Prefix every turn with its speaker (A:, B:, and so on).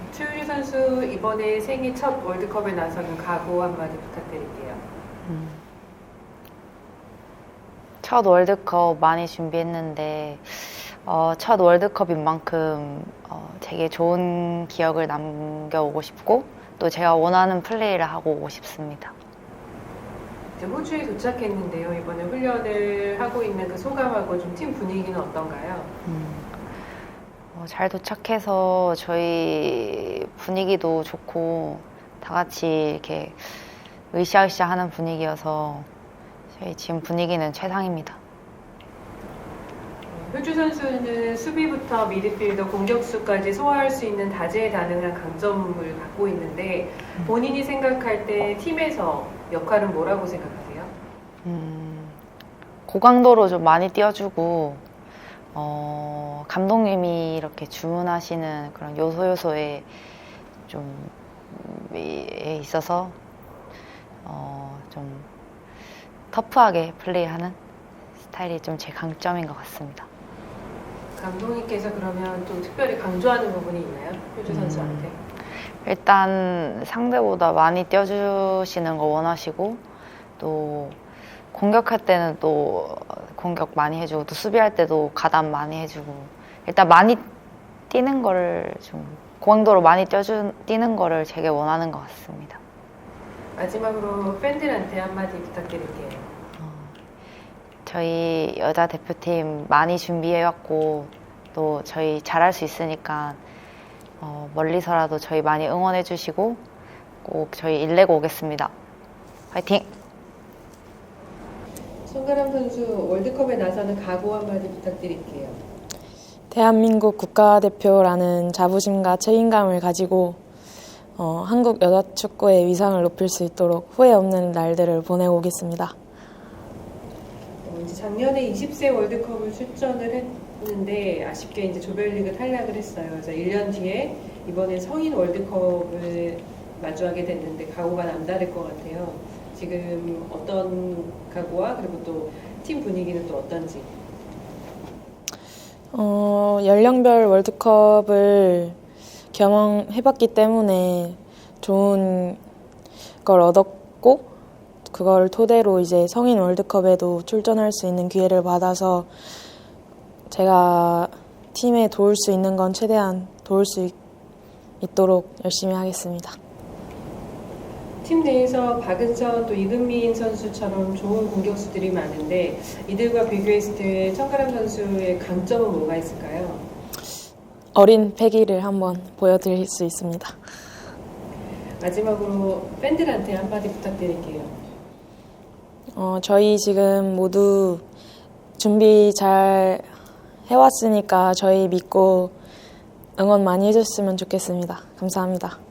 A: 최우주 선수 이번에 생애 첫 월드컵에 나서는 각오 한마디 부탁드릴게요.
B: 첫 월드컵 많이 준비했는데 첫 월드컵인 만큼 되게 좋은 기억을 남겨오고 싶고 또 제가 원하는 플레이를 하고 오고 싶습니다.
A: 이제 호주에 도착했는데요. 이번에 훈련을 하고 있는 그 소감하고 좀 팀 분위기는 어떤가요?
B: 잘 도착해서 저희 분위기도 좋고 다 같이 이렇게 으쌰으쌰 하는 분위기여서 저희 지금 분위기는 최상입니다.
A: 효주 선수는 수비부터 미드필더, 공격수까지 소화할 수 있는 다재다능한 강점을 갖고 있는데 본인이 생각할 때 팀에서 역할은 뭐라고 생각하세요?
B: 고강도로 좀 많이 뛰어주고 감독님이 이렇게 주문하시는 그런 요소에 좀 있어서 좀 터프하게 플레이하는 스타일이 좀 제 강점인 것 같습니다.
A: 감독님께서 그러면 또 특별히 강조하는 부분이 있나요? 효주 선수한테?
B: 일단 상대보다 많이 뛰어주시는 거 원하시고 또 공격할 때는 또 공격 많이 해주고 또 수비할 때도 가담 많이 해주고 일단 많이 뛰는 거를 좀 고강도로 많이 뛰는 거를 되게 원하는 것 같습니다.
A: 마지막으로 팬들한테 한마디 부탁드릴게요.
B: 저희 여자 대표팀 많이 준비해왔고 또 저희 잘할 수 있으니까 멀리서라도 저희 많이 응원해 주시고 꼭 저희 일내고 오겠습니다. 화이팅!
A: 송가람 선수 월드컵에 나서는 각오 한마디 부탁드릴게요.
C: 대한민국 국가대표라는 자부심과 책임감을 가지고 한국 여자 축구의 위상을 높일 수 있도록 후회 없는 날들을 보내고 오겠습니다.
A: 이제 작년에 20세 월드컵을 출전을 했는데 아쉽게 이제 조별리그 탈락을 했어요. 그래서 1년 뒤에 이번에 성인 월드컵을 마주하게 됐는데 각오가 남다를 것 같아요. 지금 어떤 각오와 그리고 또 팀 분위기는 또 어떤지?
C: 연령별 월드컵을 경험해봤기 때문에 좋은 걸 얻었고 그걸 토대로 이제 성인 월드컵에도 출전할 수 있는 기회를 받아서 제가 팀에 도울 수 있는 건 최대한 도울 수 있도록 열심히 하겠습니다.
A: 팀 내에서 박은선 또 이금민 선수처럼 좋은 공격수들이 많은데 이들과 비교했을 때 청가람 선수의 강점은 뭐가 있을까요?
C: 어린 패기를 한번 보여드릴 수 있습니다.
A: 마지막으로 팬들한테 한마디 부탁드릴게요.
C: 저희 지금 모두 준비 잘 해왔으니까 저희 믿고 응원 많이 해줬으면 좋겠습니다. 감사합니다.